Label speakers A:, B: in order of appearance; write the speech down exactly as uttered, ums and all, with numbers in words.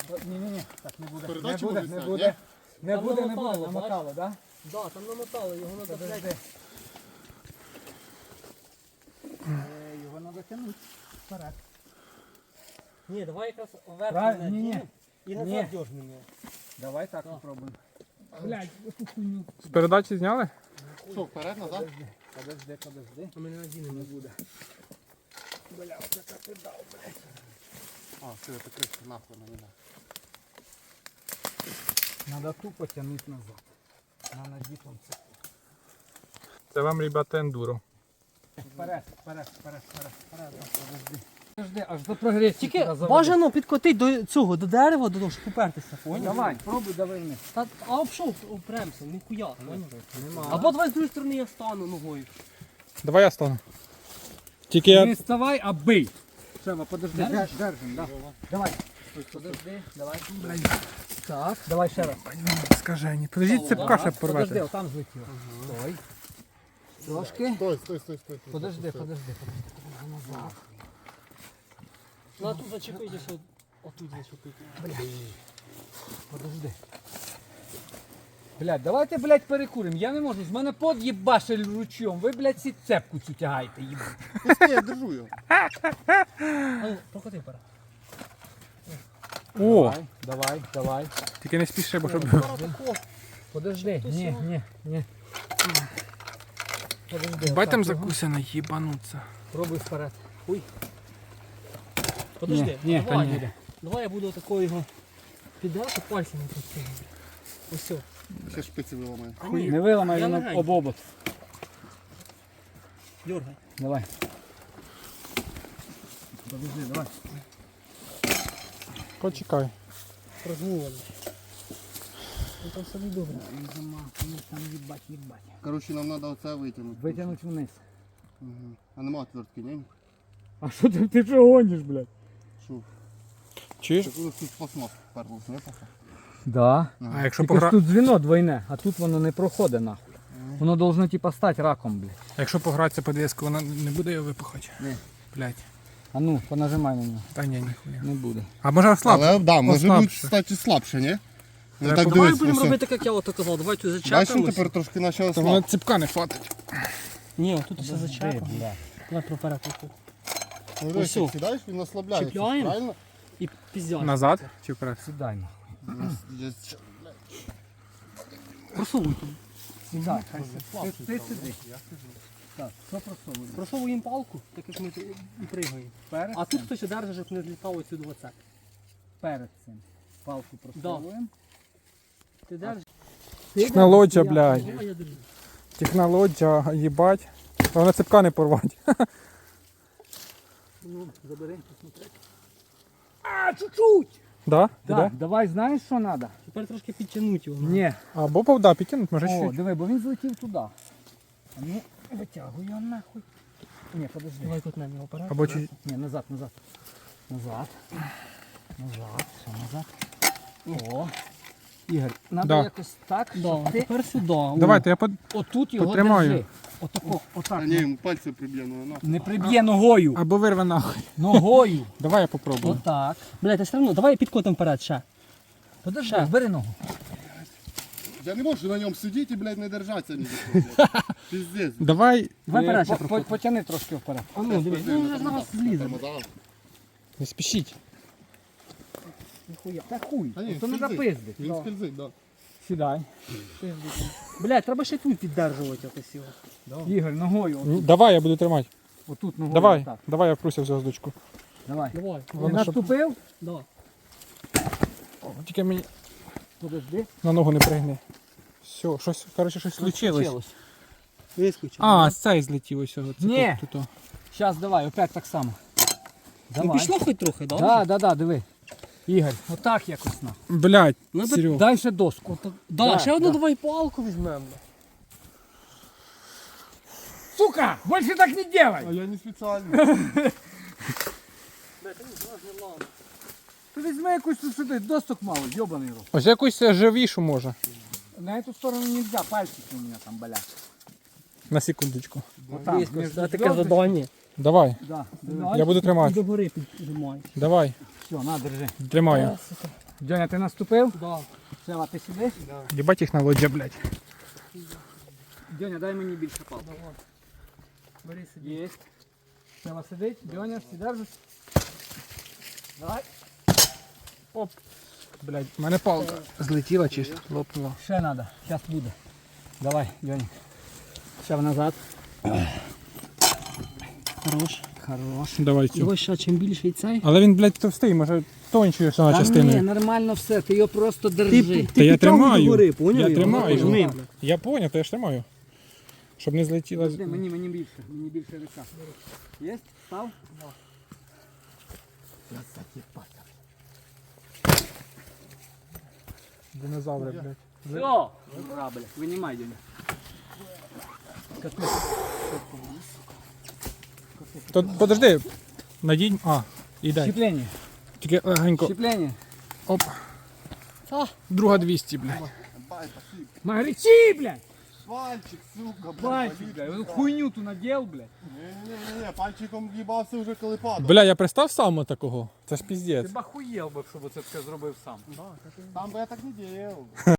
A: Ні-ні-ні, так не буде. Не
B: Передачу
A: буде,
B: можуть
A: не
B: зняти,
A: буде.
B: ні?
A: Не
C: Там
A: буде, не
C: намотало,
A: буде, намотало, так?
C: Да, там намотало, його треба, блядь.
A: Подожди. Е, Його треба тягнути вперед.
C: Ні, давай якраз вверх
A: Правильно,
C: мене
A: ні-ні.
C: дінемо і
A: Ні.
C: назад дьожни мене.
A: Давай так попробуємо. Блядь, яку хуйню.
D: З передачі зняли?
B: Що, вперед, назад?
A: Подожди, подожди, подожди.
C: А ми не надінемо.
A: Не буде. Бля, оце так придав, блядь.
B: А, все, это крышка нахуй на меня.
A: Надо тупо тягнути назад. На надітом це.
D: Це вам, ребята, ендуро.
A: Вперед, вперед, вперед, вперед, вперед. Подожди. Подожди, аж до прогресії.
C: Тільки
A: туди заведи.
C: бажано підкотити до цього, до дерева, до того, щоб попертися, поняв?
A: Давай, пробуй, давай вниз.
C: Та, а обшов, опремся, ніхуя, поняв?
A: Нема.
C: Або давай з другої сторони я стану ногою.
D: Давай я стану. Тільки я...
A: Не вставай, а бий. Шева, подожди, держ, держим, да. Давай. Подожди, давай. Так, давай ще раз.
D: Скажені. Подождіть, цепка ще
A: Подожди,
D: порвати.
A: отам злетіло. Стой. Трошки.
B: Стой, стой, стой, стой.
A: Подожди, подожди, подожди. Назад.
C: Ну а тут зачепитися, от, отут зачепити.
A: Подожди. Блядь, давайте, блядь, перекуримо. Я не можу, з мене под їбашель ручом. Ви, блядь, всі цепку цю тягаєте, їбать.
B: Пусти, я держу його.
C: А ну, прокоти пора.
D: О,
A: Давай, давай, давай.
D: тільки не спіши, бо щоб...
A: Подожди. Ні, ні, ні. Подожди.
D: Бать там
A: отак його.
D: закусено, їбануться.
A: Пробуй вперед.
C: Подожди,
A: Ні, ні,
C: давай,
A: та ні.
C: давай я буду такого його піддати пальцями просто. Ось все.
B: Ще шпиці виламаю.
A: Не виламай
C: Я
A: він
C: легенько.
A: об обод.
C: Дергай.
A: Давай. Подожди, давай.
D: Почекай.
C: Розмовили. Ну там собі добре.
A: Там їбать, їбать.
B: Короче, нам треба оце витягнути.
A: Витягнути вниз.
B: Угу. А нема отвертки, ні?
A: А що ти, ти що гониш, блядь?
B: Що?
D: Чуєш?
B: Так ось тут пластмас вперлося, не пока?
A: Да.
D: А якщо
A: Тільки ж
D: погра...
A: тут дзвіно двойне, а тут воно не проходить нахуй. Воно должно типа стати раком, блядь.
D: Якщо погратися по диску, вона не буде його випухати?
A: Ні.
D: Блядь.
A: А ну, понажимай на нього.
D: Та ні, ніхуя.
A: Не буде.
D: А може слабше?
B: Але, да, може бути,
D: Послабше.
B: кстати, слабше, ні? Ну,
D: Треба
B: так
C: Давай
B: дивись,
C: будемо
B: ось.
C: робити, як я ото казав. Давай тут
B: Бачимо,
C: зачепимось.
B: тепер трошки почало
D: Та вона
B: слабше.
D: цепка не хватить.
C: Ні, тут все зачепимо. Давай проперед тут.
B: Ну,
C: Ось
B: дивись,
C: все.
B: як сідаєш, він ослабляється,
C: Чіпляємо.
B: правильно?
C: І піздяй.
D: Назад чи вперед?
A: Сідай нахуй.
B: Ну,
C: Просовуй тут.
A: Сідай, хай ти, ти сиди. Так, що просовуємо?
C: Просовуємо палку, так як ми тут і пригаємо.
A: Перед
C: А
A: цим,
C: тут хтось одержить, щоб не злітав оцю двадцять.
A: перед цим. Палку просовуємо.
C: Ти держиш?
D: Технологія, блядь.
C: Давай я держу.
D: Технологія, їбать. Та вона цепка не порвать.
A: Ну, забери, посмотри. А, чуть-чуть!
D: Да?
A: Так,
D: Іде?
A: давай, знаєш, що треба?
C: Тепер трошки підтягнути його.
A: Ні.
D: Або повда підтягнуть, може
A: О,
D: чуть.
A: диви, бо він злетів туди. А ну, витягуй його нахуй. Ні, подожди.
C: Давай кутнемо його вперед.
D: Або чуть.
A: Ні, назад, назад. Назад. Назад, все, назад. О. Ігор, треба
D: Да.
A: якось так,
C: Да,
A: щоб
C: а
A: ти
C: тепер сюди. О.
D: Давайте, я под...
A: отут його
D: Потримаю.
A: держи. Отако, отак.
B: А ні, йому пальці приб'є, ну вона.
A: Не приб'є ногою.
D: Або вирве нахуй.
A: Ногою.
D: Давай я попробую.
A: Отак.
C: Блядь, а все одно, давай підкотимо вперед ще.
A: Подожди, бери ногу.
B: Я не можу на ньому сидіти і, блядь, не держатися ні за що. Піздець.
D: Давай,
C: Давай
A: Е,
C: вперед ще
A: по- по-
C: проходимо.
A: Потяни трошки вперед.
C: А ну, дивись, ну вже ж на вас злізе.
B: Тормоза.
D: не спішіть.
A: Ніхуя. Та хуй.
B: Та ні,
A: То не
B: скользить.
A: запиздить.
B: Він скользить, так.
A: Сідай.
C: Блядь, треба ще тут піддержувати якось його.
A: Ігор, ногою.
D: М, Давай, я буду тримати.
A: Отут ногою.
D: Давай,
A: отак.
D: давай я впруся в зв'язочку.
A: Давай.
C: Давай.
A: Ти
D: Воно щоб-
A: наступив?
C: Да.
D: Тільки мені
A: Подожди.
D: на ногу не пригни. Все, щось, коротше, щось случилось.
C: Вискочив.
D: А, з цей злетів ось. Це
A: Ні.
D: тут, тут, о.
A: Зараз давай, опять так само.
C: Ну
A: Давай.
C: пішло хоч трохи, да?
A: Да, да, да, диви. Ігор, отак якось на.
D: Блядь,
C: Ну,
D: Серег.
A: Дай ще доску.
C: Да,
A: Да,
C: ще одну
A: да.
C: давай палку візьмемо.
A: Сука, больше так не делай.
B: А я не спеціально.
A: Ти візьми якусь тут сюди, досток мало, йобаний рот.
D: Ось якусь е, живішу може.
A: На эту сторону нельзя, пальчики у меня там болят.
D: На секундочку.
A: Вот там,
C: Вискочив,
A: между
C: це таке
A: звездочками.
C: задання.
D: Давай,
A: Да.
D: я буду
C: І
D: тримати.
C: до гори піджимаєш.
D: Давай,
A: Все, на, держи.
D: тримаю.
C: Сука.
A: Дьоня, ти наступив?
C: Да.
A: Сева, ти сидиш?
D: Їбать їх на лоджа, блядь.
A: Дьоня, дай мені більше палку.
C: Давай. Бери сиди.
A: Єсть. Сева сидить, Дьоня, всі держиш. Давай.
D: Оп. Блядь, в мене палка злетіла чи лопнула.
A: Ще треба, зараз буде. Давай, Дьоня. Ще назад.
C: Хорош.
A: Хорош.
D: Давай цю.
C: Його ще чим більший цей.
D: Але він, блядь, товстий, може тончою сама
A: Та ні,
D: частиною.
A: нормально все, ти його просто держи.
D: Та я тримаю.
C: догори, поняв
D: Я
C: його?
D: тримаю.
C: Нажми,
D: його.
C: блядь.
D: Я поняв, то я ж тримаю. Щоб не злетіла.
A: Подожди, мені, мені більше, мені більше рука. Є? Став?
D: Динозаври, блядь.
A: Все! Ура, блядь, винімай, Дьоня.
D: То подожди. Надінь. А, і дай.
A: Щеплення,
D: Тільки легенько.
A: щеплення.
D: Оп. Друга двісті, блядь.
B: Бай, пошли.
A: Магричи, блядь!
B: Пальчик, сука, блядь.
A: Пальчик,
B: болить.
A: блядь, вот хуйню ту надел, блядь.
B: Не-не-не, пальчиком в'їбався вже коли падав.
D: Бля, я пристав сам такого. Це ж піздець.
A: Ти б охуєл би, щоб це все зробив сам.
B: Там би я так не діяв.